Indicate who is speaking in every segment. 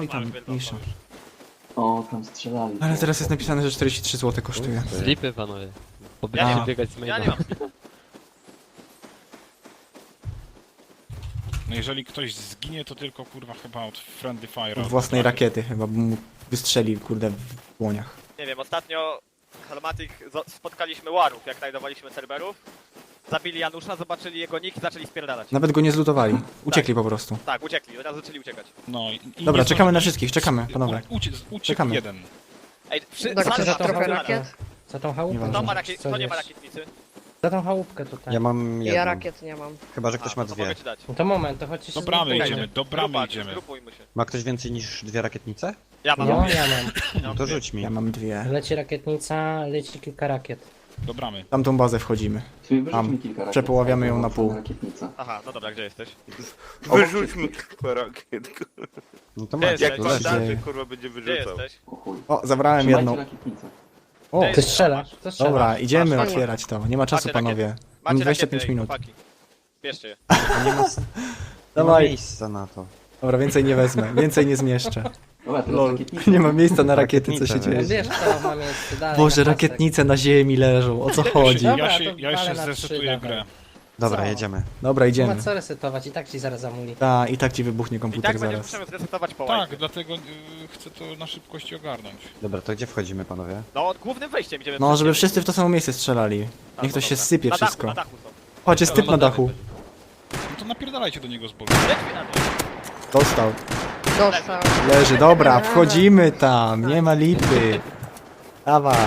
Speaker 1: No i tam, mniejsza.
Speaker 2: O, tam strzelali.
Speaker 1: Ale teraz jest napisane, że 43 zł kosztuje.
Speaker 3: Slipy, panowie.
Speaker 4: Ja
Speaker 3: Pobiegnę
Speaker 1: nie-
Speaker 3: biegać z
Speaker 4: Ja nie
Speaker 3: maila.
Speaker 4: mam.
Speaker 5: No jeżeli ktoś zginie, to tylko kurwa chyba od Friendly Fire.
Speaker 1: Od własnej rakiety chyba, bo mu wystrzeli, kurde, w dłoniach.
Speaker 4: Nie wiem, ostatnio Helmatic spotkaliśmy Warów, jak znajdowaliśmy serwerów. Zabili Janusza, zobaczyli jego nick i zaczęli spierdalać.
Speaker 1: Nawet go nie zlutowali. Uciekli po prostu.
Speaker 4: Tak, uciekli, od razu zaczęli uciekać.
Speaker 5: No, i
Speaker 1: Dobra,
Speaker 5: nie
Speaker 1: czekamy
Speaker 5: zdąży-
Speaker 1: na wszystkich, czekamy, panowie.
Speaker 5: Uciekł
Speaker 1: Czekamy.
Speaker 5: jeden.
Speaker 4: Ej,
Speaker 6: Tak,
Speaker 4: Salwa
Speaker 6: chcesz
Speaker 4: ma
Speaker 6: trochę
Speaker 4: trochę
Speaker 6: rakiet?
Speaker 7: Za tą chałupkę.
Speaker 1: Nieważne.
Speaker 4: Kto, ma
Speaker 7: coś
Speaker 4: kto nie ma
Speaker 7: jest.
Speaker 4: rakietnicy?
Speaker 7: Za tą chałupkę tutaj.
Speaker 8: Ja mam
Speaker 6: Ja
Speaker 8: jedną.
Speaker 6: rakiet nie mam.
Speaker 8: Chyba, że ktoś ma
Speaker 4: to
Speaker 8: dwie.
Speaker 4: mogę ci dać.
Speaker 7: No to moment, to chodźcie się
Speaker 5: Do bramy
Speaker 7: zgrupujcie.
Speaker 5: idziemy, do bramy
Speaker 4: Grupa,
Speaker 5: idziemy.
Speaker 4: zgrupujmy się.
Speaker 8: Ma ktoś więcej niż dwie rakietnice?
Speaker 4: Ja mam.
Speaker 7: No, ja mam.
Speaker 8: No to rzuć mi.
Speaker 1: Ja mam dwie.
Speaker 7: Leci rakietnica, leci kilka rakiet.
Speaker 5: Do bramy.
Speaker 1: Tamtą bazę wchodzimy.
Speaker 2: Sobie wyrzuć
Speaker 1: Tam.
Speaker 2: mi kilka rakiet.
Speaker 1: Przepoławiamy ją na
Speaker 2: Włączone
Speaker 1: pół.
Speaker 2: rakietnice.
Speaker 4: Aha, no dobra, gdzie jesteś?
Speaker 9: Wyrzućmy kilka rakiet.
Speaker 8: No to
Speaker 4: Gdzie
Speaker 8: macie,
Speaker 4: jesteś?
Speaker 8: to
Speaker 9: Jak
Speaker 8: leży.
Speaker 9: pan
Speaker 1: leży.
Speaker 9: darzy, kurwa, będzie
Speaker 4: Gdzie
Speaker 9: wyrzucał.
Speaker 4: jesteś?
Speaker 2: O chuj.
Speaker 1: O, zabrałem
Speaker 2: Trzymajcie
Speaker 1: jedną.
Speaker 2: rakietnicę.
Speaker 1: O,
Speaker 7: Ty strzela, to strzela.
Speaker 1: dobra, idziemy
Speaker 4: Masz,
Speaker 1: otwierać to. Nie ma czasu,
Speaker 4: Macie rakiety.
Speaker 1: panowie. Mam
Speaker 4: Macie
Speaker 1: 25
Speaker 4: rakiety,
Speaker 1: minut.
Speaker 4: chłopaki. Bierzcie je.
Speaker 8: Nie ma, nie ma
Speaker 1: Dawaj.
Speaker 8: miejsca na to.
Speaker 1: Dobra, więcej nie wezmę, więcej nie zmieszczę.
Speaker 2: Dobra, teraz
Speaker 1: Lol,
Speaker 2: rakietnice.
Speaker 1: nie ma miejsca na rakiety, co się
Speaker 8: Rakietnice,
Speaker 7: No
Speaker 1: dzieje.
Speaker 7: wiesz co, ma miejsce dalej.
Speaker 1: Boże,
Speaker 7: na pasek.
Speaker 1: rakietnice na ziemi leżą, o co chodzi?
Speaker 7: Dobra,
Speaker 5: Ja
Speaker 7: to
Speaker 5: jeszcze
Speaker 7: walę na trzy,
Speaker 5: zresetuję
Speaker 7: dawaj.
Speaker 5: grę.
Speaker 8: Dobra,
Speaker 7: Co?
Speaker 8: jedziemy.
Speaker 1: Dobra,
Speaker 7: Nie
Speaker 1: idziemy.
Speaker 7: ma co resetować, i tak ci zaraz zamuli.
Speaker 1: Ta, i tak ci wybuchnie
Speaker 4: I
Speaker 1: komputer
Speaker 4: tak będziemy
Speaker 1: zaraz.
Speaker 4: musimy zresetować po
Speaker 5: Tak,
Speaker 4: łajce.
Speaker 5: dlatego chcę to na szybkości ogarnąć.
Speaker 8: Dobra, to gdzie wchodzimy, panowie?
Speaker 4: No, od głównym wejściem idziemy.
Speaker 1: No,
Speaker 4: przez
Speaker 1: żeby
Speaker 4: ciebie.
Speaker 1: wszyscy w to samo miejsce strzelali.
Speaker 4: A,
Speaker 1: Niech
Speaker 4: no
Speaker 1: to się
Speaker 4: dobra.
Speaker 1: sypie
Speaker 4: na
Speaker 1: wszystko.
Speaker 4: Dachu, na dachu są.
Speaker 1: Chodź, jest typ na dachu.
Speaker 5: No to napierdalajcie do niego z boku.
Speaker 4: Lecz mi na dół.
Speaker 1: Dostał.
Speaker 6: Dostał.
Speaker 1: Leży, dobra, wchodzimy tam, nie ma lipy. Dawaj.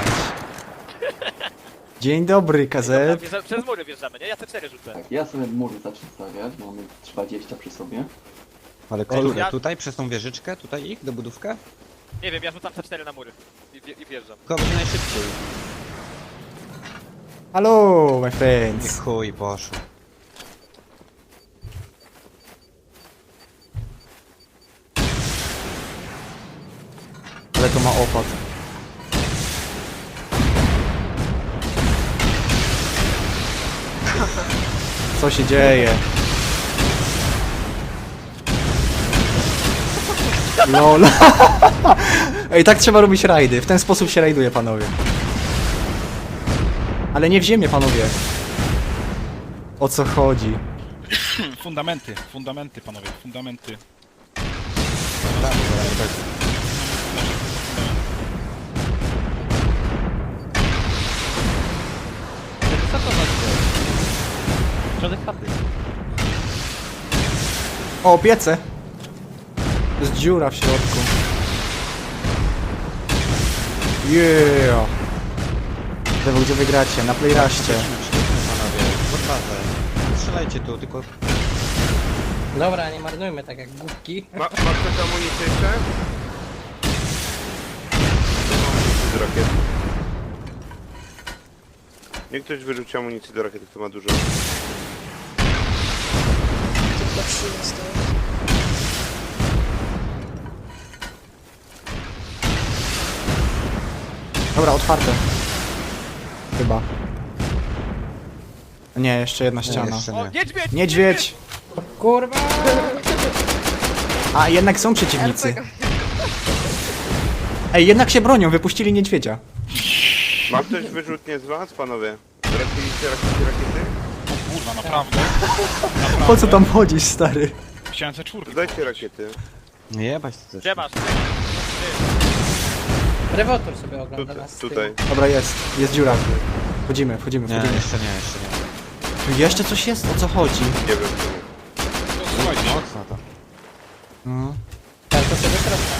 Speaker 1: Dzień dobry, KZ.
Speaker 4: Przez mury wjeżdżamy, nie? Ja te 4 rzucę.
Speaker 2: Tak, ja sobie mury zacznę stawiać, bo mamy 20 przy sobie.
Speaker 8: Ale które?
Speaker 4: ja-
Speaker 8: Tutaj, przez tą wieżyczkę? Tutaj ich, do budówkę?
Speaker 4: Nie wiem, ja rzucam C4 na mury. I wjeżdżam.
Speaker 8: Tylko będzie najszybciej.
Speaker 1: Halo, my
Speaker 8: Nie
Speaker 1: friends.
Speaker 8: chuj, poszło.
Speaker 1: Ale to ma opad. Co się dzieje? LOL. Ej, tak trzeba robić rajdy. W ten sposób się rajduje, panowie. Ale nie w ziemię, panowie. O co chodzi?
Speaker 5: Fundamenty, panowie, fundamenty.
Speaker 3: Co to znaczy? Środek chaty.
Speaker 1: O, piece! Jest dziura w środku. Yeah! Dewo, gdzie wygracie? Na playraście.
Speaker 8: Panowie, pod bazę. Strzelajcie tu, tylko...
Speaker 7: Dobra, nie marnujmy tak jak głupki.
Speaker 9: Ma ktoś amunicję jeszcze? Z rakiet. Niech ktoś wyrzuci amunicję do rakiety, kto ma dużo.
Speaker 1: Dobra, otwarte. Chyba. Nie, jeszcze jedna
Speaker 8: Nie,
Speaker 1: ściana.
Speaker 8: jeszcze
Speaker 4: O,
Speaker 8: nie.
Speaker 4: niedźwiedź!
Speaker 1: Niedźwiedź!
Speaker 7: Kurwa!
Speaker 1: A, jednak są przeciwnicy. Ej, jednak się bronią, wypuścili niedźwiedzia.
Speaker 9: Ma ktoś wyrzutnie z was, panowie? Trafiliście rakiety?
Speaker 5: O kurwa, naprawdę.
Speaker 1: Po co tam chodzisz, stary?
Speaker 5: Chciałem C4.
Speaker 9: Dajcie rakiety.
Speaker 8: Nie jebać to też.
Speaker 4: Gdzie masz?
Speaker 7: Rewotor sobie ogląda nas z tyłu.
Speaker 9: Tutaj.
Speaker 1: Dobra, jest. Jest dziura. Wchodzimy, wchodzimy,
Speaker 8: Nie,
Speaker 1: wchodzimy.
Speaker 8: jeszcze nie, jeszcze nie.
Speaker 1: Tu jeszcze coś jest? O co chodzi?
Speaker 9: Nie wiem czemu.
Speaker 5: To słuchajcie,
Speaker 8: Mocno to.
Speaker 1: No.
Speaker 7: Tak, to sobie środka.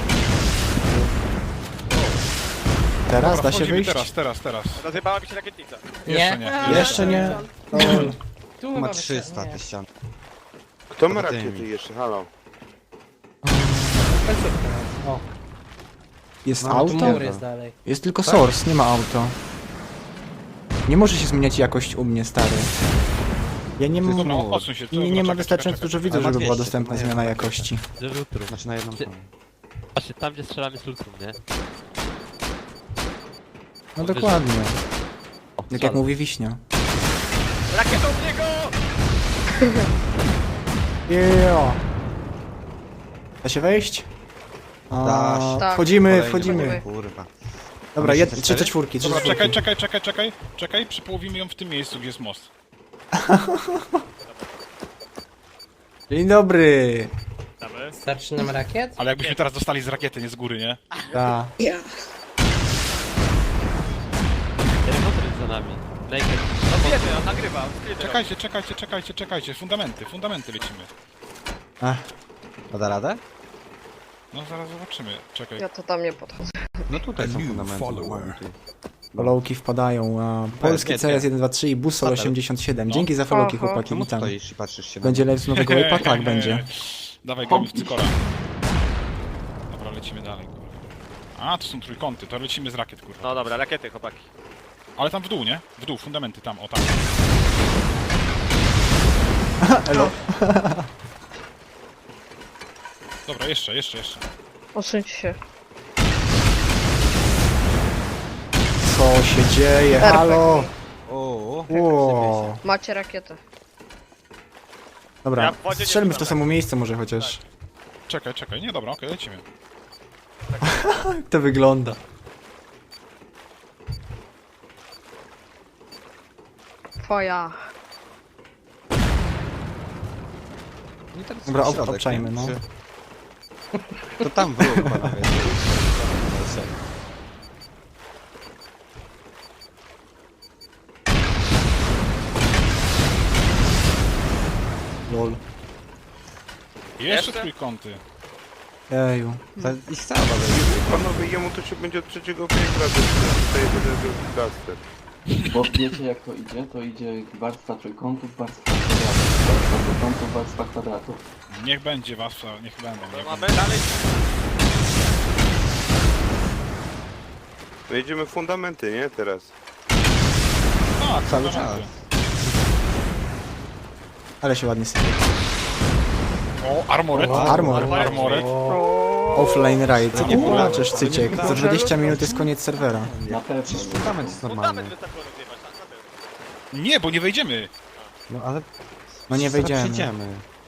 Speaker 1: Teraz
Speaker 5: dobra,
Speaker 1: da się
Speaker 5: wchodzimy
Speaker 1: wyjść?
Speaker 5: teraz.
Speaker 4: Rozjebała mi się rakietnica.
Speaker 5: Jeszcze nie.
Speaker 1: Jeszcze nie.
Speaker 7: Tu
Speaker 8: Ma
Speaker 7: mamy
Speaker 8: 300
Speaker 7: nie.
Speaker 8: te ściany.
Speaker 9: Kto ma
Speaker 8: Poza tymi.
Speaker 9: rakiety jeszcze? Halo.
Speaker 7: Końcówkę mam. O,
Speaker 1: Jest
Speaker 8: No, tu
Speaker 1: auto?
Speaker 7: mur jest dalej.
Speaker 1: Jest tylko source, nie ma auto. Nie może się zmieniać jakość u mnie, stary. Ja nie mam...
Speaker 5: Dobra, odsuń się.
Speaker 1: Nie ma wystarczająco dużo widzów,
Speaker 8: Ale ma
Speaker 1: żeby była
Speaker 8: 200,
Speaker 1: dostępna
Speaker 8: to
Speaker 1: zmiana
Speaker 8: nie.
Speaker 1: jakości.
Speaker 3: Że lutru.
Speaker 8: Znaczy na jedną
Speaker 3: Ty-
Speaker 8: stronę.
Speaker 3: Właśnie tam, gdzie strzelamy z lutrum, nie?
Speaker 1: No dokładnie.
Speaker 3: O,
Speaker 1: Jak
Speaker 3: strzela.
Speaker 1: mówi Wiśnia.
Speaker 4: Rakietą w niego!
Speaker 1: Yeah. Da się wejść? A,
Speaker 6: Tak.
Speaker 1: wchodzimy,
Speaker 8: Kolejny.
Speaker 1: wchodzimy.
Speaker 8: Kurwa.
Speaker 1: Dobra,
Speaker 8: Mamy
Speaker 1: 3
Speaker 8: cztery?
Speaker 1: C4, 3
Speaker 5: Dobra,
Speaker 1: C4.
Speaker 5: czekaj, przypołowimy ją w tym miejscu, gdzie jest most.
Speaker 1: Dzień dobry.
Speaker 4: Damy.
Speaker 7: Starczy nam rakiet?
Speaker 5: Ale jakbyśmy teraz dostali z rakiety, nie z góry, nie?
Speaker 1: Ta.
Speaker 3: Helikopter jest za nami. Naked.
Speaker 4: No wiemy, on nagrywa.
Speaker 5: Czekajcie. Fundamenty lecimy.
Speaker 8: A da radę?
Speaker 5: No zaraz zobaczymy. Czekaj.
Speaker 6: Ja to tam nie podchodzę.
Speaker 8: No tutaj są fundamenty.
Speaker 1: Followki wpadają. A, polski
Speaker 8: nie,
Speaker 1: CS 123 i Busol 87.
Speaker 5: No.
Speaker 1: Dzięki za followki,
Speaker 6: Oho.
Speaker 1: chłopaki,
Speaker 8: Czemu
Speaker 1: witam.
Speaker 8: stoisz i patrzysz się
Speaker 1: Będzie
Speaker 8: na
Speaker 1: live z nowego waypa? Tak, będzie.
Speaker 5: Dawaj, gramy w cykora. Dobra, lecimy dalej, kurwa. A, to są trójkąty, to lecimy z rakiet, kurwa.
Speaker 4: No dobra, rakiety, chłopaki.
Speaker 5: Ale tam w dół, nie? W dół, fundamenty tam, o tam.
Speaker 1: Elo.
Speaker 5: Dobra, jeszcze.
Speaker 6: Osuńcie się.
Speaker 1: Co się dzieje?
Speaker 6: RPG.
Speaker 1: Halo!
Speaker 8: O,
Speaker 1: Ło.
Speaker 6: Macie rakietę.
Speaker 1: Dobra,
Speaker 4: Ja w wodzie nie
Speaker 1: strzelmy w to
Speaker 4: byłem.
Speaker 1: samo miejsce może chociaż.
Speaker 5: Czekaj, nie, dobra, okej, lecimy.
Speaker 1: Jak to wygląda?
Speaker 6: Twoja.
Speaker 8: I teraz
Speaker 1: Dobra,
Speaker 8: w środek,
Speaker 1: obczajmy,
Speaker 8: nie?
Speaker 1: no.
Speaker 8: To tam w róg, panowie.
Speaker 1: Lol.
Speaker 5: Jeszcze trójkąty.
Speaker 1: Eju.
Speaker 8: To ich cała baza.
Speaker 9: Panowie, jemu to się będzie od trzeciego piętra, tutaj będę plaster.
Speaker 2: Bo wiecie jak to idzie? To idzie warstwa trójkątów, warstwa kwadratów, warstwa trójkątów, warstwa kwadratów.
Speaker 5: Niech będzie was, niech będą.
Speaker 4: To
Speaker 5: Niech
Speaker 4: mamy
Speaker 5: będą.
Speaker 4: dalej.
Speaker 9: My jedziemy w fundamenty, nie? Teraz.
Speaker 5: Tak,
Speaker 8: Cały
Speaker 5: fundamenty.
Speaker 1: Ale się ładnie sypie.
Speaker 5: O, armoret.
Speaker 1: Armor.
Speaker 5: Armoret.
Speaker 1: Offline raid. Nie
Speaker 8: Nie
Speaker 1: płaczesz, cyciek.
Speaker 8: nie
Speaker 1: Za 20 minut jest koniec serwera.
Speaker 2: Na pewno.
Speaker 8: Przecież fundament jest normalny.
Speaker 4: Fundament wystarczyło rozjebać, tak? Na pewno.
Speaker 5: Nie, bo nie wejdziemy.
Speaker 8: No ale...
Speaker 1: No nie
Speaker 8: zaraz
Speaker 1: wejdziemy.
Speaker 8: przyjdziemy.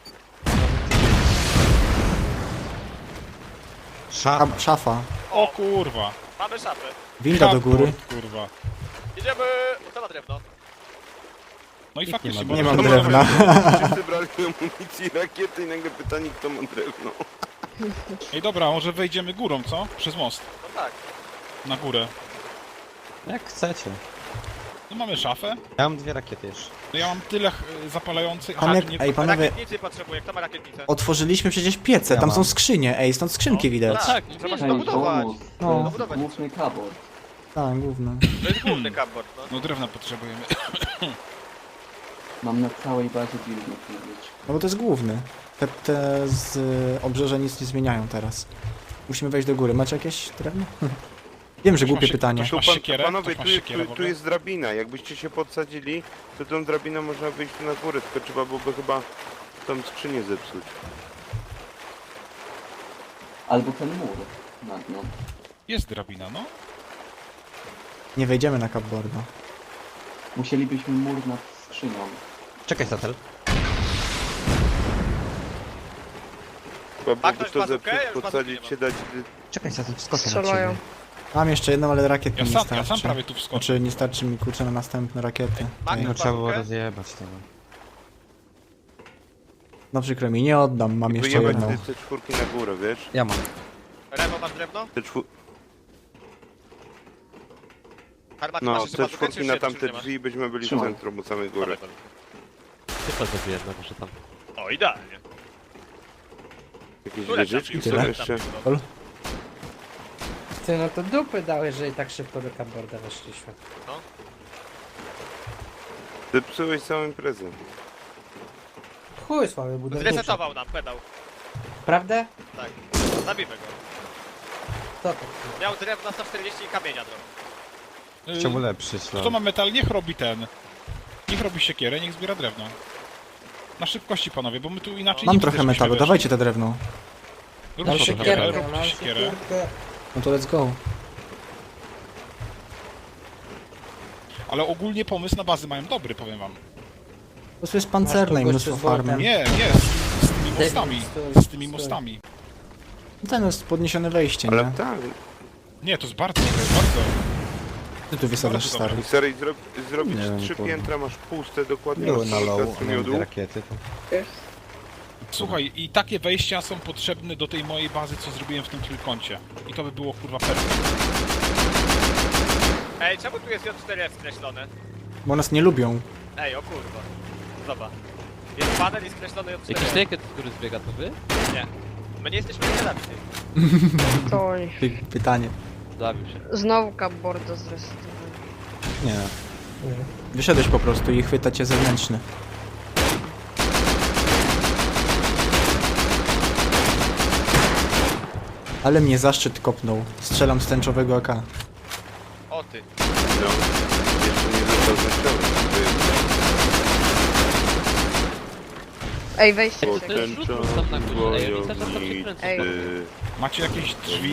Speaker 1: A,
Speaker 8: Szafa.
Speaker 1: szafa.
Speaker 5: O kurwa.
Speaker 4: Mamy szafę.
Speaker 1: Winda do góry.
Speaker 5: Cupboard, kurwa.
Speaker 4: Idziemy. To ma drewno.
Speaker 5: No i
Speaker 8: Nikt
Speaker 5: faktycznie,
Speaker 8: nie ma
Speaker 5: bo
Speaker 1: Nie mam
Speaker 9: To
Speaker 1: drewna.
Speaker 9: Wszyscy brali amunicję i rakiety i nagle pytanie, kto ma drewno.
Speaker 5: Ej, dobra, może wejdziemy górą, co? Przez most.
Speaker 4: No tak.
Speaker 5: Na górę.
Speaker 8: Jak chcecie.
Speaker 5: No mamy szafę.
Speaker 8: Ja mam 2 rakiety jeszcze.
Speaker 5: No ja mam tyle zapalających.
Speaker 1: Tam jak, ej panowie,
Speaker 4: Rakietnicy potrzebuję. Kto ma rakietnicę?
Speaker 1: otworzyliśmy przecież piece,
Speaker 8: Ja
Speaker 1: tam
Speaker 8: mam.
Speaker 1: są skrzynie, ej, stąd skrzynki widać.
Speaker 3: Tak,
Speaker 4: Trzeba się
Speaker 2: Hej,
Speaker 4: dobudować.
Speaker 2: bonus.
Speaker 1: No.
Speaker 2: To jest
Speaker 4: Dobudować.
Speaker 2: główny kabor.
Speaker 1: Tak, główne.
Speaker 4: To jest główny cupboard, no.
Speaker 5: No drewna potrzebujemy.
Speaker 2: Mam na całej bazie buildów mówić.
Speaker 1: No bo to jest główny. Te z obrzeża nic nie zmieniają teraz. Musimy wejść do góry. Macie jakieś drewno? Wiem, że
Speaker 5: Ktoś ma
Speaker 1: głupie
Speaker 5: się-
Speaker 1: pytanie.
Speaker 5: ktoś- Masz siekierę?
Speaker 9: Panowie,
Speaker 5: Ktoś ma
Speaker 9: tu,
Speaker 5: siekierę w
Speaker 9: tu
Speaker 5: ogóle?
Speaker 9: jest drabina. Jakbyście się podsadzili, to tą drabiną można wyjść tu na górę, tylko trzeba byłoby chyba tą skrzynię zepsuć.
Speaker 2: Albo ten mur nad nią.
Speaker 5: Jest drabina, no.
Speaker 1: Nie wejdziemy na cupboarda.
Speaker 2: Musielibyśmy mur nad skrzynią.
Speaker 8: Czekaj, Satel.
Speaker 9: Chyba byłoby
Speaker 4: ktoś
Speaker 9: to
Speaker 4: bazookę?
Speaker 9: zepsuć,
Speaker 4: Ja już
Speaker 9: podsadzić
Speaker 4: bazooki
Speaker 9: się, dać...
Speaker 8: Czekaj, Satel, wskoczę na
Speaker 6: Strzelają.
Speaker 8: ciebie.
Speaker 1: Mam jeszcze jedną, ale rakiet mi nie
Speaker 5: Ja
Speaker 1: starczy.
Speaker 5: sam prawie tu wskoczę.
Speaker 1: Znaczy nie starczy mi kurczę na następne rakiety.
Speaker 4: Magda,
Speaker 1: Ej,
Speaker 8: No trzeba było
Speaker 4: bazookę?
Speaker 8: rozjebać tego.
Speaker 1: no przykro mi, nie oddam, mam jeszcze
Speaker 9: Wyjebać
Speaker 1: jedną.
Speaker 9: te czwórki na górę, wiesz?
Speaker 8: Ja mam.
Speaker 4: Remo, masz drewno?
Speaker 9: Te czwór...
Speaker 4: Armaty
Speaker 9: No,
Speaker 4: masz jeszcze
Speaker 9: te
Speaker 4: bazookę, czy
Speaker 9: czwórki na
Speaker 4: jeszcze
Speaker 9: tamte
Speaker 4: trzymasz?
Speaker 9: drzwi byśmy byli w
Speaker 2: Trzymam.
Speaker 9: centrum u samej góry.
Speaker 4: Dobra, dobra.
Speaker 3: Ty to zrobiłem, no muszę tam.
Speaker 4: O, idealnie.
Speaker 9: Jakieś
Speaker 4: Które
Speaker 9: wieżyczki
Speaker 4: tam
Speaker 9: są
Speaker 1: tyle?
Speaker 9: jeszcze.
Speaker 7: Ty, no to dupy dały, jeżeli tak szybko do cupboarda weszliśmy.
Speaker 9: Zepsułeś całą imprezę.
Speaker 7: Chuj słaby budowniczy.
Speaker 4: Zresetował nam pedał.
Speaker 7: Prawda?
Speaker 4: Tak. Zabijmy go.
Speaker 7: Co to?
Speaker 4: Miał drewna 140 i kamienia drogą.
Speaker 8: Chciałby lepszyć,
Speaker 5: Kto ma metal, niech robi ten. Niech robi siekierę, niech zbiera drewno. Na szybkości, panowie, bo my tu inaczej
Speaker 1: Mam
Speaker 5: nie
Speaker 1: trochę
Speaker 5: będziemy
Speaker 1: metalu,
Speaker 5: weszli.
Speaker 1: dawajcie te drewno.
Speaker 5: Róbcie
Speaker 7: Mam
Speaker 5: siekierę,
Speaker 7: siekierkę,
Speaker 5: róbcie
Speaker 7: mam
Speaker 5: siekierę.
Speaker 7: siekierkę.
Speaker 1: No to let's go.
Speaker 5: Ale ogólnie pomysł na bazy mają dobry, powiem wam.
Speaker 1: Po prostu jest pancerne i
Speaker 7: Masz
Speaker 1: mnóstwo
Speaker 7: kogoś z
Speaker 1: farmy.
Speaker 7: workiem?
Speaker 5: Nie, z tymi mostami. Z tymi mostami.
Speaker 1: Ten jest podniesione wejście,
Speaker 9: Ale
Speaker 1: nie?
Speaker 9: tak.
Speaker 5: Nie, to jest bardzo dobre, bardzo.
Speaker 1: Ty tu wysadzasz,
Speaker 5: Bardzo
Speaker 1: stary.
Speaker 5: dobre.
Speaker 9: Stary, zrobić
Speaker 8: Nie wiem,
Speaker 9: 3
Speaker 8: kurwa.
Speaker 9: piętra, masz puste, dokładnie
Speaker 8: Były na
Speaker 9: masz
Speaker 8: low,
Speaker 9: kilka
Speaker 8: miałem
Speaker 9: miodu.
Speaker 8: dwie rakiety. To...
Speaker 5: Słuchaj, i takie wejścia są potrzebne do tej mojej bazy, co zrobiłem w tym trójkącie. I to by było kurwa perfekt.
Speaker 4: Ej, czemu tu jest J4F skreślone?
Speaker 1: Bo nas nie lubią.
Speaker 4: Ej, o kurwa. Zobacz. Jest panel i skreślony
Speaker 3: Jakiś
Speaker 4: J4F.
Speaker 3: naked, który zbiega, to wy?
Speaker 4: Nie. My nie jesteśmy nieradni.
Speaker 6: To oni.
Speaker 1: Pytanie.
Speaker 3: Zabił się.
Speaker 6: Znowu cupboarda zresetowali.
Speaker 8: Nie.
Speaker 1: Wyszedłeś po prostu i chwyta cię zewnętrzny. Ale mnie zaszczyt kopnął. Strzelam z tęczowego AK.
Speaker 4: O ty.
Speaker 9: No. Jeszcze nie został zniszczony.
Speaker 6: Ej, wejście
Speaker 3: Ej,
Speaker 6: się.
Speaker 3: to jest rzut tam na górze. Ej, oni cały czas tam się kręcą.
Speaker 6: Ej.
Speaker 5: Macie jakieś drzwi?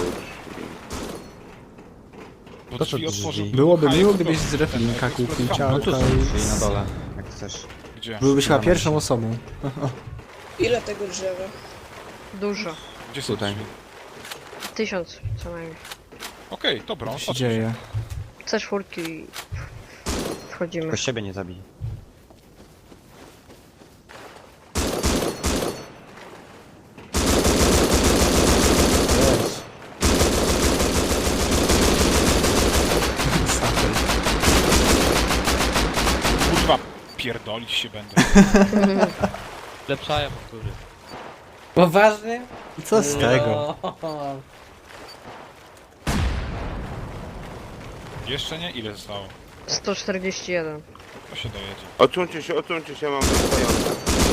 Speaker 5: Bo
Speaker 8: To co
Speaker 5: drzwi
Speaker 8: drzwi?
Speaker 5: otworzył...
Speaker 1: Byłoby
Speaker 5: Haj,
Speaker 1: miło,
Speaker 5: to
Speaker 1: gdybyś
Speaker 5: ten,
Speaker 1: z replika
Speaker 5: eksplodował.
Speaker 1: kupił
Speaker 8: No
Speaker 1: ciałko
Speaker 8: tu są drzwi na
Speaker 1: i...
Speaker 8: dole, jak chcesz.
Speaker 5: Gdzie?
Speaker 1: Byłbyś chyba
Speaker 8: Dawaj.
Speaker 1: pierwszą osobą.
Speaker 10: Ile tego drzewa?
Speaker 6: Dużo.
Speaker 5: Gdzie są
Speaker 8: Tutaj.
Speaker 5: drzwi?
Speaker 6: 1000 co najmniej.
Speaker 5: Okej, dobra,
Speaker 1: Co się
Speaker 5: odsuń
Speaker 1: dzieje?
Speaker 6: C4 i wchodzimy.
Speaker 8: Tylko siebie nie zabij.
Speaker 1: Jest. Safel.
Speaker 5: Kurwa, pierdolić się będę.
Speaker 3: Lepszają od góry.
Speaker 7: Poważnie?
Speaker 1: I co z tego?
Speaker 7: No.
Speaker 5: Jeszcze nie? Ile zostało?
Speaker 6: 141.
Speaker 5: To się dojedzie.
Speaker 9: Odsuńcie się, mam wystające.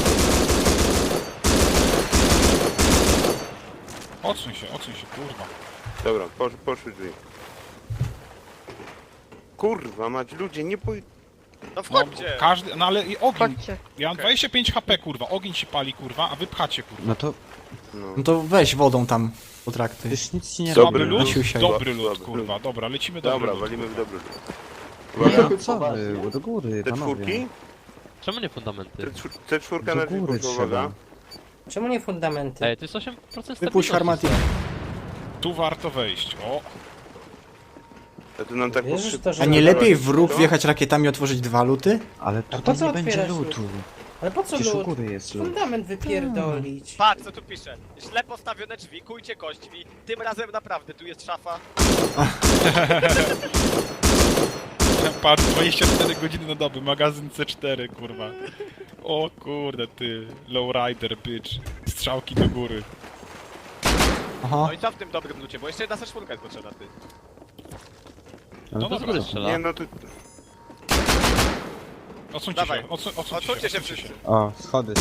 Speaker 5: Odsuń się, kurwa.
Speaker 9: Dobra, poszły drzwi. Kurwa, mać ludzie, nie pój...
Speaker 4: No
Speaker 5: No,
Speaker 4: wchodźcie.
Speaker 5: każdy, no ale i ogień.
Speaker 6: Chodźcie.
Speaker 5: Ja mam 25 HP, kurwa, ogień się pali, kurwa, a wy pchacie, kurwa.
Speaker 8: No to
Speaker 9: No.
Speaker 1: No to weź wodą tam potrakty.
Speaker 8: już nic ci nie
Speaker 5: Dobry
Speaker 8: robi.
Speaker 5: lód?
Speaker 1: Siusiaj.
Speaker 5: Dobry lód,
Speaker 9: Słaby.
Speaker 5: kurwa, dobra, lecimy dobry
Speaker 9: Dobra,
Speaker 5: lód.
Speaker 9: walimy w dobry lód.
Speaker 8: No co wy, do góry,
Speaker 9: Te
Speaker 8: panowie.
Speaker 9: czwórki?
Speaker 3: Czemu nie fundamenty?
Speaker 9: Te czwórka na
Speaker 8: Do
Speaker 9: drzwi,
Speaker 8: góry
Speaker 9: kurwa, uwaga.
Speaker 8: trzeba.
Speaker 7: Czemu nie fundamenty?
Speaker 3: Ej, to jest 8% stabilności.
Speaker 1: Wypuść harmatik.
Speaker 5: Tu warto wejść, o.
Speaker 9: A to nam tak
Speaker 7: Wierzysz
Speaker 9: poszybko-
Speaker 7: w to, że...
Speaker 1: A nie lepiej w
Speaker 9: Co?
Speaker 1: róg wjechać rakietami i otworzyć 2 luty?
Speaker 8: Ale
Speaker 7: po
Speaker 8: tutaj
Speaker 7: co
Speaker 8: nie będzie
Speaker 7: otwierasz
Speaker 8: lutu.
Speaker 7: Ale po co
Speaker 8: Przecież u
Speaker 7: lód?
Speaker 8: góry jest lód.
Speaker 7: Fundament wypierdolić.
Speaker 4: Patrz co tu pisze. Źle postawione drzwi, kujcie kośćmi. Tym razem naprawdę, tu jest szafa.
Speaker 5: Patrz, 24 godziny na dobę, magazyn C4, kurwa. O kurde, ty, lowrider, bitch. Strzałki do góry.
Speaker 1: Aha.
Speaker 4: No i co w tym dobrym lucie, bo jeszcze jedna C4 jest potrzebna, ty.
Speaker 5: No
Speaker 3: To z
Speaker 5: dobra,
Speaker 3: góry strzela.
Speaker 9: Nie, no to...
Speaker 5: odsuńcie
Speaker 4: Dawaj.
Speaker 5: się, odsuńcie
Speaker 4: Odsuńcie się
Speaker 5: odsuńcie
Speaker 4: wszyscy.
Speaker 8: O, schody.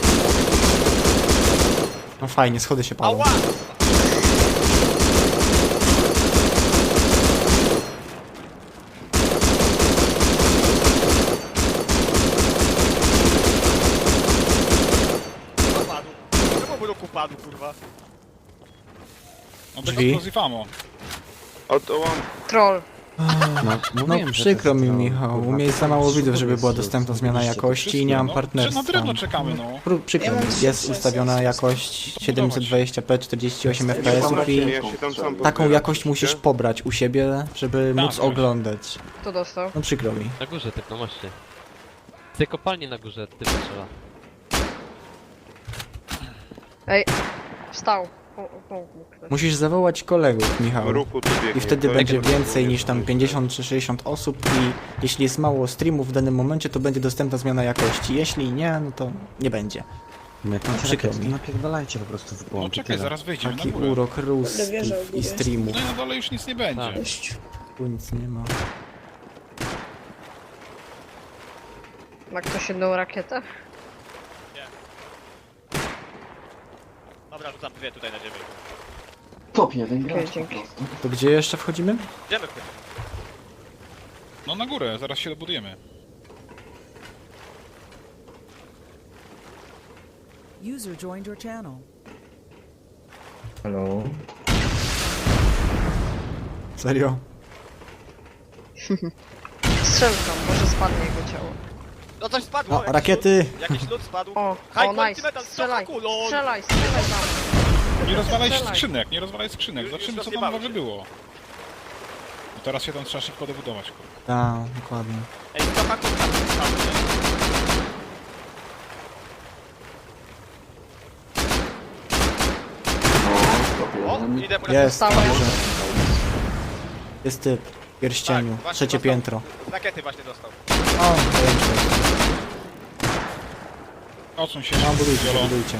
Speaker 1: No fajnie, schody się palą.
Speaker 4: Ała! Upadł. Czemu blok upadł, kurwa?
Speaker 5: No
Speaker 1: Drzwi.
Speaker 5: explosive ammo.
Speaker 9: Ołam.
Speaker 6: Troll.
Speaker 8: No,
Speaker 1: No
Speaker 8: mówiłem, że
Speaker 1: przykro
Speaker 8: to
Speaker 1: mi,
Speaker 8: jest to,
Speaker 1: Michał.
Speaker 8: kurwa,
Speaker 1: U mnie jest za mało
Speaker 8: to
Speaker 1: widzów, żeby była
Speaker 8: jest
Speaker 1: dostępna
Speaker 8: to,
Speaker 1: zmiana
Speaker 8: zrobiliście to
Speaker 1: jakości i nie mam
Speaker 5: No,
Speaker 1: partnerstwa.
Speaker 5: na drewno czekamy, no.
Speaker 1: Przykro
Speaker 10: Ja
Speaker 1: mi.
Speaker 10: mam
Speaker 1: Jest
Speaker 10: 300,
Speaker 1: ustawiona jakość 720p 48 fps i
Speaker 9: Ja się tam sam
Speaker 1: taką
Speaker 9: podbieram,
Speaker 1: jakość musisz
Speaker 9: słyszycie?
Speaker 1: pobrać u siebie, żeby
Speaker 5: Tak,
Speaker 1: móc
Speaker 5: właśnie.
Speaker 1: oglądać.
Speaker 6: Kto dostał?
Speaker 1: No przykro mi.
Speaker 3: Na górze, typ, no właśnie. Z tej kopalni na górze, typ strzela.
Speaker 6: Ej, wstał. Pomógł mu ktoś.
Speaker 1: Musisz zawołać kolegów, Michał.
Speaker 9: Ruchu tu biegnie.
Speaker 1: I wtedy
Speaker 9: To
Speaker 1: będzie
Speaker 9: jest-
Speaker 1: więcej niż tam 50 czy 60 osób i jeśli jest mało streamów w danym momencie, to będzie dostępna zmiana jakości. Jeśli nie, no to nie będzie.
Speaker 8: Jak macie
Speaker 1: Przykro
Speaker 8: rakiety,
Speaker 1: mi.
Speaker 8: napierdalajcie po prostu w
Speaker 5: No
Speaker 8: błąd i
Speaker 5: czekaj,
Speaker 8: tyle.
Speaker 5: zaraz wejdziemy na
Speaker 1: Taki
Speaker 5: górę.
Speaker 1: urok
Speaker 10: Będę
Speaker 1: ruskich
Speaker 10: wierzał w
Speaker 1: i
Speaker 10: górę.
Speaker 1: streamów.
Speaker 5: No i na dole już nic nie będzie.
Speaker 3: Tak.
Speaker 10: Cześć.
Speaker 1: Tu nic nie ma.
Speaker 6: Ma ktoś jedną rakietę?
Speaker 4: Dobra, rzucam dwie tutaj na ziemię.
Speaker 2: Top jeden gracz po
Speaker 6: dzięki.
Speaker 2: prostu.
Speaker 1: To gdzie jeszcze wchodzimy?
Speaker 4: Idziemy w tym.
Speaker 5: No na górę, zaraz się dobudujemy.
Speaker 11: User joined your channel.
Speaker 8: Hello.
Speaker 1: Serio?
Speaker 6: Strzelka, może spadnie jego ciało.
Speaker 4: No coś spadło,
Speaker 1: O,
Speaker 4: jakiś
Speaker 1: rakiety!
Speaker 4: Lód, jakiś lód spadł.
Speaker 6: O,
Speaker 4: High
Speaker 6: o
Speaker 4: quality
Speaker 6: nice.
Speaker 4: metal,
Speaker 6: Strzelaj,
Speaker 4: cofa kulon.
Speaker 6: strzelaj tam.
Speaker 5: Nie rozwalaj
Speaker 6: Strzelaj.
Speaker 5: skrzynek, nie rozwalaj skrzynek.
Speaker 4: Już
Speaker 5: Zobaczymy co tam
Speaker 4: rozjebały
Speaker 5: może
Speaker 4: się.
Speaker 5: było. I teraz się tam trzeba szybko dobudować, kurwa.
Speaker 1: Tak, dokładnie.
Speaker 4: Ej, to tak
Speaker 2: O,
Speaker 4: O,
Speaker 2: stopie.
Speaker 4: idę mu
Speaker 1: Jest,
Speaker 6: Stałem.
Speaker 1: dobrze. Jest typ. W pierścieniu.
Speaker 4: Tak, właśnie
Speaker 1: Trzecie
Speaker 4: dostał.
Speaker 1: piętro.
Speaker 4: Rakiety właśnie dostał.
Speaker 1: O, zajęcie.
Speaker 5: Odsuń się,
Speaker 1: No, budujcie,
Speaker 5: Jolo.
Speaker 1: budujcie.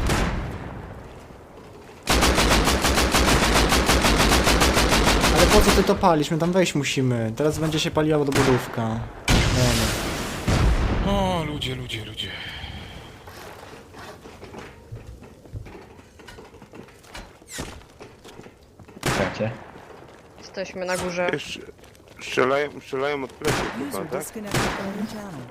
Speaker 1: Ale po co ty to palisz? My tam wejść musimy. Teraz będzie się paliła dobudówka. Nie wiem.
Speaker 5: O, ludzie, ludzie, ludzie.
Speaker 7: Czekajcie.
Speaker 6: Jesteśmy na górze.
Speaker 9: Jeszcze strzelają od pleców chyba,
Speaker 11: User
Speaker 9: tak?
Speaker 11: disconnected from your channel.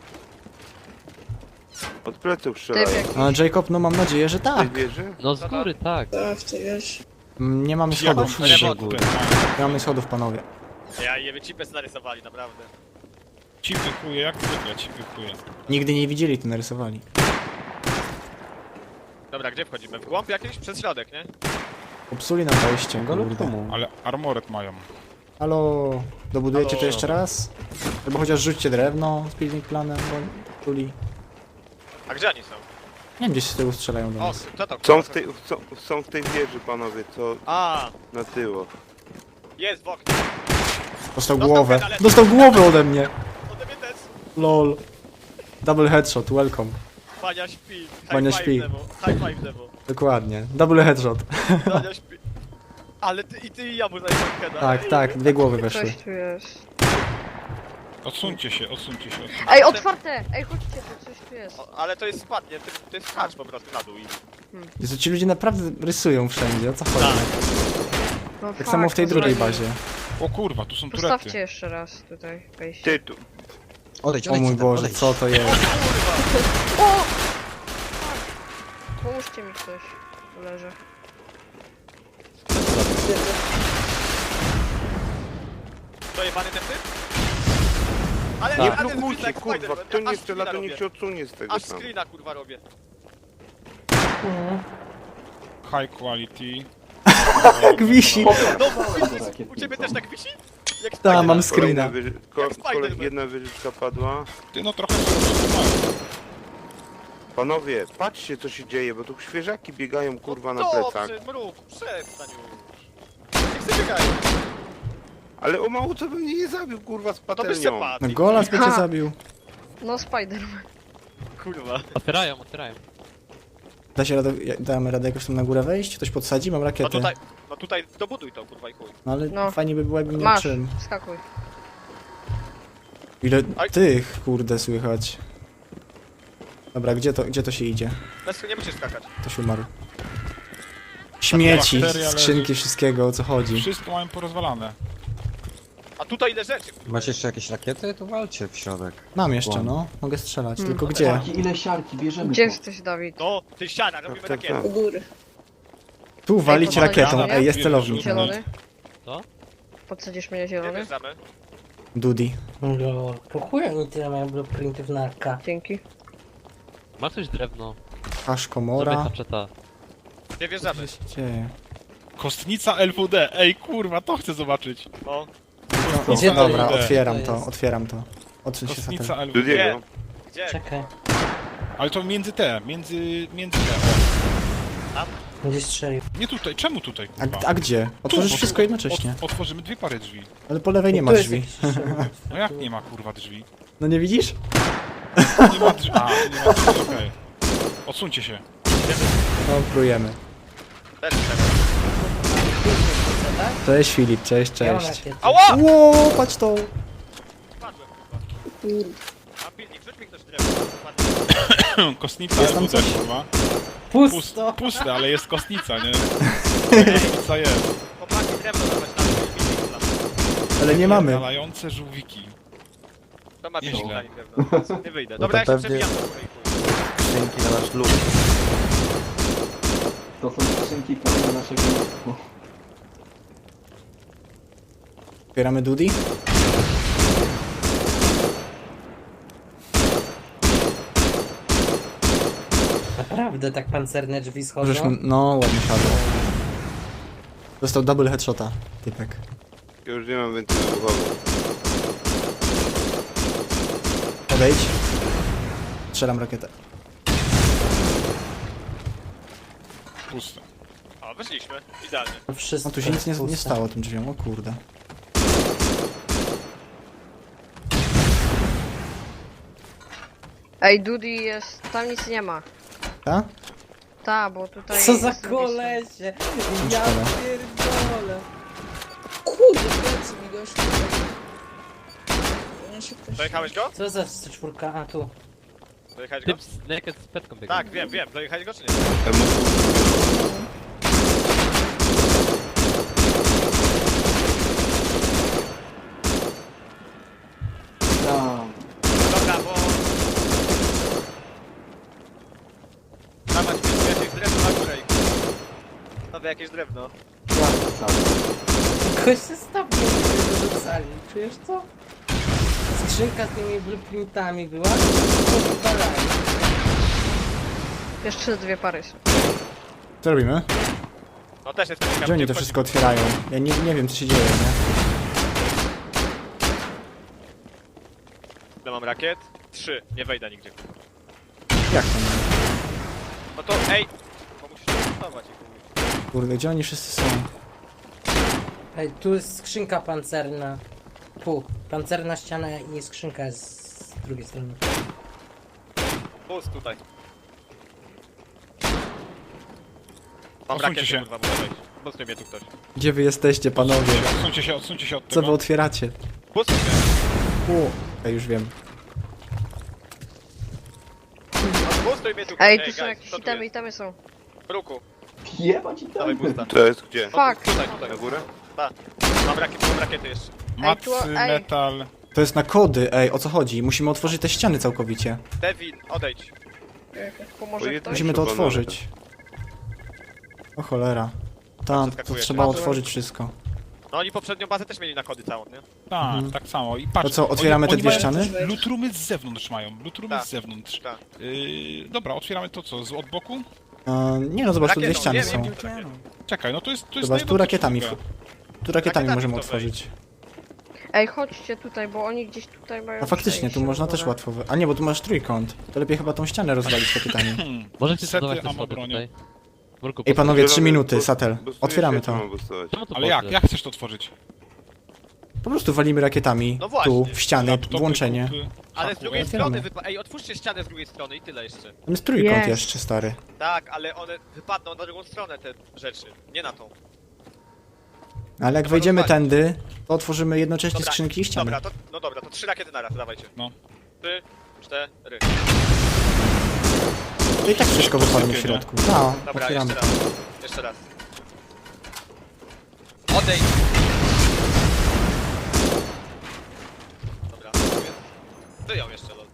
Speaker 9: Od pleców
Speaker 6: Typ
Speaker 9: strzelają.
Speaker 6: jakiś.
Speaker 1: A Jacob, no mam nadzieję, że
Speaker 9: Tej
Speaker 1: tak.
Speaker 9: wieży?
Speaker 3: No z góry, tak.
Speaker 10: Tak, ty wiesz.
Speaker 1: Nie mamy schodów.
Speaker 5: Jaką
Speaker 1: Nie mamy schodów, panowie.
Speaker 4: Ja je wycipy narysowali, naprawdę.
Speaker 5: Cipy chuje, jak zwykle, cipy chuje.
Speaker 1: Nigdy nie widzieli, to narysowali.
Speaker 4: Dobra, gdzie wchodzimy? W głąb jakiś? Przez środek, nie?
Speaker 1: Popsuli nam wejście,
Speaker 8: Go lub
Speaker 1: kurde.
Speaker 8: komu?
Speaker 5: Ale armoret mają.
Speaker 1: Halo, dobudujecie
Speaker 4: Halo.
Speaker 1: to jeszcze raz? Albo chociaż rzućcie drewno z building planem, bo popsuli.
Speaker 4: A gdzie oni są?
Speaker 1: Nie wiem, gdzieś z tyłu strzelają do
Speaker 4: O,
Speaker 1: nas.
Speaker 4: co to?
Speaker 9: Są w tej wieży, panowie, co
Speaker 4: A,
Speaker 9: na tyło.
Speaker 4: jest w oknie.
Speaker 1: Dostał
Speaker 4: Dostał
Speaker 1: głowę.
Speaker 4: medalę.
Speaker 1: Dostał głowę ode mnie.
Speaker 4: Ode mnie też.
Speaker 1: Lol. Double headshot, welcome.
Speaker 4: Bania śpi. High
Speaker 1: Bania
Speaker 4: five
Speaker 1: śpi.
Speaker 4: Demo. High five demo.
Speaker 1: Dokładnie. Double headshot.
Speaker 4: Bania śpi. Ale ty i ja mu zajmę heada.
Speaker 1: Tak, tak, dwie głowy weszły.
Speaker 6: Coś tu jest.
Speaker 5: Odsuńcie się, odsuńcie się, odsuńcie.
Speaker 6: Ej, otwarte! Ej, chodźcie, tu coś tu jest.
Speaker 4: O, ale to jest spadnie, to jest hacz po prostu na dół i...
Speaker 1: Jezu, ci ludzie naprawdę rysują wszędzie, o co chodzi?
Speaker 4: Tak.
Speaker 6: No
Speaker 1: Tak samo w tej
Speaker 6: no
Speaker 1: drugiej
Speaker 6: zrobimy.
Speaker 1: bazie.
Speaker 5: O kurwa, tu są turety.
Speaker 6: Postawcie jeszcze raz tutaj wejście.
Speaker 9: Ty tu.
Speaker 8: Odejdź,
Speaker 1: O
Speaker 8: odejdź.
Speaker 1: mój
Speaker 8: Adam,
Speaker 1: Boże,
Speaker 8: odejdź.
Speaker 1: co to jest?
Speaker 6: O! Pomóżcie mi ktoś. Tu leży.
Speaker 4: To jebany ten typ? Ale
Speaker 3: Tak.
Speaker 9: Nie
Speaker 4: ale
Speaker 9: blokujcie,
Speaker 4: jak
Speaker 9: kurwa,
Speaker 4: Spider-Man.
Speaker 9: kto nie
Speaker 4: Aż
Speaker 9: strzela, to
Speaker 4: screena
Speaker 9: niech
Speaker 4: robię.
Speaker 9: się odsunie z tego
Speaker 4: Aż
Speaker 9: tam.
Speaker 4: screena kurwa robię.
Speaker 5: High quality.
Speaker 1: Jak wisi.
Speaker 4: No,
Speaker 2: Dobra,
Speaker 4: u ciebie też tak wisi? Jak
Speaker 1: Ta,
Speaker 4: Spider-Man.
Speaker 1: mam screena.
Speaker 4: Jak Spider-Man.
Speaker 9: Jedna wieżyczka padła.
Speaker 5: Ty no trochę sobie mają.
Speaker 9: Panowie, patrzcie co się dzieje, bo tu świeżaki biegają kurwa na
Speaker 4: No
Speaker 9: plecach.
Speaker 4: dobrze, mruk, przestań już. Niech sobie biegają.
Speaker 9: Ale o mało co by mnie nie zabił kurwa z
Speaker 4: To byś się
Speaker 9: patelnią.
Speaker 4: padł.
Speaker 1: No Golas by cię
Speaker 6: Ha.
Speaker 1: zabił.
Speaker 6: No Spider-Man.
Speaker 4: Kurwa.
Speaker 3: Otwierają, otwierają.
Speaker 1: Da się radę, damy radę jakoś tam na górę wejść? Ktoś podsadzi? Mam
Speaker 4: No
Speaker 1: rakiety.
Speaker 4: tutaj dobuduj to kurwa i chuj.
Speaker 1: No ale
Speaker 6: No.
Speaker 1: fajnie by było jakbym miał
Speaker 6: Masz,
Speaker 1: czym.
Speaker 6: skakuj.
Speaker 1: Ile
Speaker 4: Aj.
Speaker 1: tych, kurde, słychać. Dobra, gdzie to się idzie?
Speaker 4: Bez nie musisz skakać.
Speaker 1: Ktoś umarł. Śmieci,
Speaker 5: bakteria
Speaker 1: skrzynki,
Speaker 5: leży.
Speaker 1: wszystkiego, o co chodzi.
Speaker 5: Wszystko mają porozwalane.
Speaker 4: A tutaj ile rzeczy?
Speaker 8: Macie jeszcze jakieś rakiety? To walcie w środek.
Speaker 1: Mam jeszcze, no. Mogę strzelać,
Speaker 6: Hmm.
Speaker 1: tylko gdzie?
Speaker 2: Siarki, ile siarki, bierzemy
Speaker 6: Gdzie
Speaker 2: to.
Speaker 6: jesteś, Dawid?
Speaker 4: No, ty siana, robimy
Speaker 9: tak,
Speaker 4: rakiety.
Speaker 9: tak.
Speaker 10: U góry.
Speaker 1: Tu walić
Speaker 6: podsadzi
Speaker 1: rakietą,
Speaker 6: mnie?
Speaker 1: ej, jest celownik.
Speaker 6: Zielony?
Speaker 3: Co?
Speaker 6: Podsadzisz mnie
Speaker 4: Gdzie
Speaker 6: zielony?
Speaker 4: wjeżdżamy?
Speaker 1: Dudi.
Speaker 7: No, po chuj oni tyle mają blueprintów na AK.
Speaker 6: Dzięki.
Speaker 3: Ma ktoś drewno?
Speaker 1: Hasz
Speaker 3: Zrobię
Speaker 1: komora.
Speaker 3: haczeta.
Speaker 4: Gdzie
Speaker 1: Co
Speaker 4: wjeżdżamy?
Speaker 1: się dzieje?
Speaker 5: Kostnica LWD, ej kurwa, to chcę zobaczyć.
Speaker 4: No.
Speaker 1: O,
Speaker 7: Gdzie to
Speaker 1: dobra,
Speaker 5: jest?
Speaker 1: otwieram
Speaker 7: To
Speaker 1: to,
Speaker 7: jest.
Speaker 1: otwieram to. Odsuń się
Speaker 5: Kostnica
Speaker 1: satel.
Speaker 5: LWD.
Speaker 9: Dudiego.
Speaker 4: Gdzie?
Speaker 7: Czekaj,
Speaker 5: Ale to między te.
Speaker 7: gdzie strzelił?
Speaker 5: Nie tutaj, czemu tutaj kurwa?
Speaker 1: A gdzie? Otworzysz
Speaker 5: Tu,
Speaker 1: wszystko jednocześnie.
Speaker 5: Otworzymy dwie pary drzwi.
Speaker 1: Ale po lewej nie ma
Speaker 7: Tu jest
Speaker 1: drzwi.
Speaker 7: jakiś strzelił.
Speaker 5: No jak nie ma kurwa drzwi?
Speaker 1: No nie widzisz?
Speaker 5: Nie ma drzwi. A, tu nie ma drzwi, okej. Odsuńcie się.
Speaker 1: No, próbujemy.
Speaker 4: Też chcemy.
Speaker 1: Cześć Filip, cześć,
Speaker 7: Ja mam
Speaker 1: cześć.
Speaker 7: rakiety.
Speaker 4: Ała!
Speaker 1: Ło, patrz to.
Speaker 4: Spadłem kurwa.
Speaker 10: Kurde.
Speaker 4: A pilnik, rzuć mi ktoś drewno.
Speaker 5: Kostnica
Speaker 1: Jest tam
Speaker 5: LWD
Speaker 1: coś?
Speaker 5: kurwa.
Speaker 7: Pusto!
Speaker 5: Puste, ale jest kostnica, nie? Kostnica jest.
Speaker 4: Chłopaki, drewno dawać na mnie, pilnik dla mnie.
Speaker 1: Ale nie mamy.
Speaker 5: Nalające żółwiki.
Speaker 4: To ma pilnik
Speaker 5: Nieźle.
Speaker 4: dla nich drewno. Nie wyjdę. Dobra, ja się
Speaker 8: pewnie-
Speaker 4: przebijam do góry i chuj.
Speaker 8: Skrzynki na nasz lód.
Speaker 2: To są skrzynki pełne naszego lotku.
Speaker 1: Otwieramy Dudi?
Speaker 7: Naprawdę Naprawdę tak pancerne drzwi schodzą?
Speaker 1: Możesz, no ładnie siadło. Dostał double headshota, typek.
Speaker 9: Ja już nie mam więcej wybuchowych.
Speaker 1: Odejdź. Strzelam rakietę.
Speaker 5: Puste.
Speaker 4: O, wyszliśmy. Idealnie.
Speaker 7: Wszystko
Speaker 1: No tu się nic nie
Speaker 7: puste.
Speaker 1: stało tym drzwiom, o kurde.
Speaker 6: Ej, Dudy jest... Tam nic nie ma.
Speaker 1: Ta?
Speaker 6: Ta, bo tutaj...
Speaker 7: Co za
Speaker 6: jest z drugiej strony.
Speaker 7: kolesie! Ja
Speaker 1: Szkoda.
Speaker 7: pierdolę!
Speaker 10: Kurde, plecy mi gościu. Ja się ktoś...
Speaker 4: Dojechałeś go?
Speaker 7: Co za C4? A tu.
Speaker 4: Dojechałeś go?
Speaker 3: Typ z naked z petką biegnie.
Speaker 4: Tak, wiem. Dojechałeś go czy nie?
Speaker 2: Tam.
Speaker 4: Dobra, bo... Dawać mi jakieś drewno na górę. Nowe jakieś drewno.
Speaker 2: Ja sam.
Speaker 7: Ktoś się stopnie wyrzucali, czujesz co? Skrzynka z tymi blueprintami była? To wywalali.
Speaker 6: Jeszcze 2 pary są.
Speaker 1: Co robimy?
Speaker 4: No też jest ciekawe.
Speaker 1: Gdzie oni to wszystko otwierają? Ja nie wiem co się dzieje, nie?
Speaker 4: Ile mam rakiet? 3. Nie wejdę nigdzie.
Speaker 1: Jak to nie?
Speaker 4: No to ej! Bo musisz testować ich mówić.
Speaker 1: Kurde, gdzie oni wszyscy są?
Speaker 7: Ej, tu jest skrzynka pancerna. Tu, pancerna ściana i skrzynka jest z drugiej strony.
Speaker 4: Boost tutaj. Mam
Speaker 5: Odsuńcie
Speaker 4: rakiety,
Speaker 5: się.
Speaker 4: kurwa, muszę wejść. Boostuj mnie tu ktoś.
Speaker 1: Gdzie wy jesteście, panowie?
Speaker 5: Odsuńcie się od
Speaker 1: Co wy
Speaker 5: tego.
Speaker 1: otwieracie?
Speaker 4: Boostuj mnie.
Speaker 1: Ja już wiem.
Speaker 4: No, boostuj mnie tu ktoś.
Speaker 6: Ej, tu są
Speaker 4: guys,
Speaker 6: jakieś
Speaker 4: co tu
Speaker 6: itemy,
Speaker 4: jest?
Speaker 6: itemy są.
Speaker 4: Ruku,
Speaker 2: Jebać i
Speaker 4: dawaj
Speaker 2: tam.
Speaker 4: boosta.
Speaker 9: To jest gdzie?
Speaker 6: Fuck!
Speaker 4: Tutaj.
Speaker 9: Na górę?
Speaker 4: Mam rakiety jeszcze.
Speaker 5: Macy,
Speaker 6: ej.
Speaker 5: metal.
Speaker 1: To jest na kody, ej, o co chodzi? Musimy otworzyć te ściany całkowicie.
Speaker 4: Devin, odejdź.
Speaker 6: Pomoże
Speaker 9: Bo
Speaker 6: ktoś?
Speaker 1: Musimy to
Speaker 9: Chyba
Speaker 1: otworzyć. O cholera. Tam, to
Speaker 4: Przeskakujesz.
Speaker 1: trzeba
Speaker 6: Padłem.
Speaker 1: otworzyć wszystko.
Speaker 4: No oni poprzednią bazę też mieli na kody całą, nie?
Speaker 5: Tak, tak samo. I patrz,
Speaker 1: To co, otwieramy te
Speaker 5: oni
Speaker 1: dwie
Speaker 5: mają
Speaker 1: ściany?
Speaker 5: Lutrumy z zewnątrz mają. Lutrumy
Speaker 4: Tak.
Speaker 5: z zewnątrz.
Speaker 4: Tak.
Speaker 5: Dobra, otwieramy to co? Od boku?
Speaker 1: Nie no, zobacz, tu dwie
Speaker 4: Rakietą,
Speaker 1: ściany
Speaker 4: nie,
Speaker 1: są.
Speaker 4: nie,
Speaker 11: Your channel.
Speaker 5: Czekaj, no to jest na
Speaker 1: Zobacz,
Speaker 5: jedną
Speaker 1: tu rakietami.
Speaker 5: druga.
Speaker 1: Tu rakietami
Speaker 4: Rakietami
Speaker 1: możemy
Speaker 4: to
Speaker 1: otworzyć.
Speaker 6: Ej, chodźcie tutaj, bo oni gdzieś tutaj mają...
Speaker 1: A faktycznie, tu
Speaker 6: przejście
Speaker 1: można
Speaker 6: w
Speaker 1: też
Speaker 6: ogóle.
Speaker 1: łatwo... A nie, bo tu masz trójkąt. To lepiej chyba tą ścianę rozwalić rakietami.
Speaker 3: Możecie
Speaker 5: Sety,
Speaker 3: zbudować te
Speaker 5: ammo,
Speaker 3: schody
Speaker 5: bronią.
Speaker 3: tutaj. Murku,
Speaker 1: Ej panowie, 3
Speaker 9: Zielony
Speaker 1: minuty,
Speaker 9: boost-
Speaker 1: Satel.
Speaker 9: boostuje
Speaker 1: Otwieramy
Speaker 9: się,
Speaker 1: to.
Speaker 9: mam boostować.
Speaker 3: czemu to
Speaker 5: Ale jak?
Speaker 3: poszedł?
Speaker 5: Jak chcesz to otworzyć?
Speaker 1: Po prostu walimy rakietami.
Speaker 4: No właśnie.
Speaker 1: Tu, w ściany,
Speaker 5: Laptopy,
Speaker 1: włączenie.
Speaker 5: kupy,
Speaker 4: Ale z
Speaker 5: haku,
Speaker 4: drugiej
Speaker 1: otwieramy.
Speaker 4: strony Ej, otwórzcie ścianę z drugiej strony i tyle jeszcze.
Speaker 1: Tam jest trójkąt
Speaker 6: Jest.
Speaker 1: jeszcze, stary.
Speaker 4: Tak, ale one wypadną na drugą stronę te rzeczy, nie na tą.
Speaker 1: Ale jak
Speaker 4: Trzeba
Speaker 1: wejdziemy
Speaker 4: rozwalić.
Speaker 1: tędy, to otworzymy jednocześnie
Speaker 4: Dobra,
Speaker 1: skrzynki i ściany.
Speaker 4: Dobra, to 3 rakiety naraz, dawajcie.
Speaker 5: No.
Speaker 4: 3, 4.
Speaker 1: To i tak wszystko wypadnie w środku. No,
Speaker 4: Dobra,
Speaker 1: otwieramy.
Speaker 4: jeszcze raz. Jeszcze raz. Odejdź! Dobra, wyją jeszcze, lol.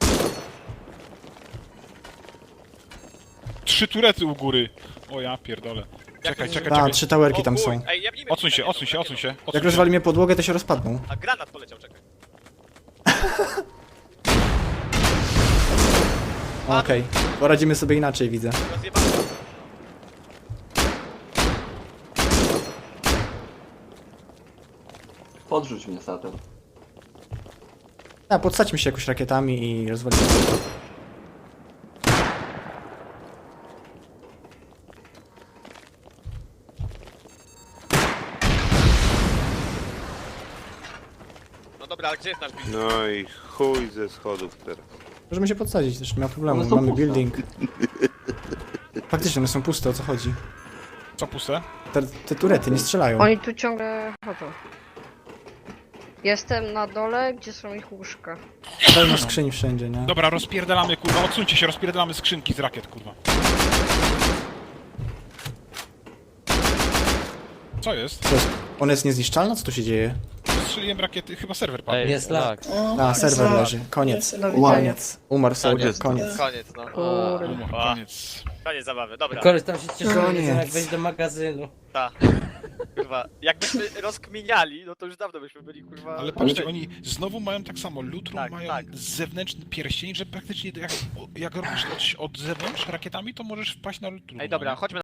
Speaker 5: 3 turety u góry. O ja pierdolę. Czekaj,
Speaker 4: to-
Speaker 5: czekaj,
Speaker 1: Tak,
Speaker 5: czekaj.
Speaker 1: 3 towerki
Speaker 4: O
Speaker 1: tam
Speaker 4: chuj,
Speaker 1: są.
Speaker 4: Ej, jebnijmy
Speaker 5: Odsuń się,
Speaker 4: rakietą,
Speaker 5: odsuń się, odsuń się.
Speaker 1: Jak
Speaker 5: odsuń się.
Speaker 1: rozwalimy podłogę, to się rozpadną.
Speaker 4: A granat poleciał, czekaj.
Speaker 1: Okej, poradzimy sobie inaczej, widzę.
Speaker 4: Rozjebamy.
Speaker 2: Podrzuć mnie, Satel.
Speaker 1: A, podsadźmy się jakoś rakietami i rozwalimy.
Speaker 4: No dobra, ale gdzie jest nasz biznes?
Speaker 9: No i chuj ze schodów teraz.
Speaker 1: Możemy się podsadzić, też nie ma problemu.
Speaker 2: One są
Speaker 1: Mamy
Speaker 2: puste.
Speaker 1: building. Faktycznie, one są puste, o co chodzi?
Speaker 5: Co puste?
Speaker 1: Te turety nie strzelają.
Speaker 6: Oni tu ciągle chodzą. Jestem na dole, gdzie są ich łóżka.
Speaker 1: Pełno skrzyń wszędzie, nie?
Speaker 5: Dobra, rozpierdalamy, kurwa, odsuńcie się, rozpierdalamy skrzynki z rakiet, kurwa. Co jest?
Speaker 1: Co jest? Ona jest niezniszczalna? Co tu się dzieje?
Speaker 5: Strzeliłem rakiety, chyba serwer padł.
Speaker 3: Ej,
Speaker 7: Jest lag.
Speaker 1: A, serwer leży. Koniec.
Speaker 6: Do widzenia.
Speaker 1: Koniec. Umarł serwer, koniec.
Speaker 4: Koniec, no.
Speaker 6: Kurde.
Speaker 5: Koniec.
Speaker 4: Koniec zabawy, dobra.
Speaker 7: Koleś tam się cieszył,
Speaker 1: Koniec.
Speaker 7: nie wiem jak wejść do magazynu.
Speaker 4: Ta. Kurwa, jakbyśmy rozkminiali, no to już dawno byśmy byli, kurwa...
Speaker 5: Ale patrzcie, oni znowu mają tak samo, Lutrum
Speaker 4: Tak,
Speaker 5: mają
Speaker 4: tak.
Speaker 5: zewnętrzny pierścień, że praktycznie jak robisz od zewnątrz rakietami, to możesz wpaść na Lutrum.
Speaker 4: Ej, dobra, chodźmy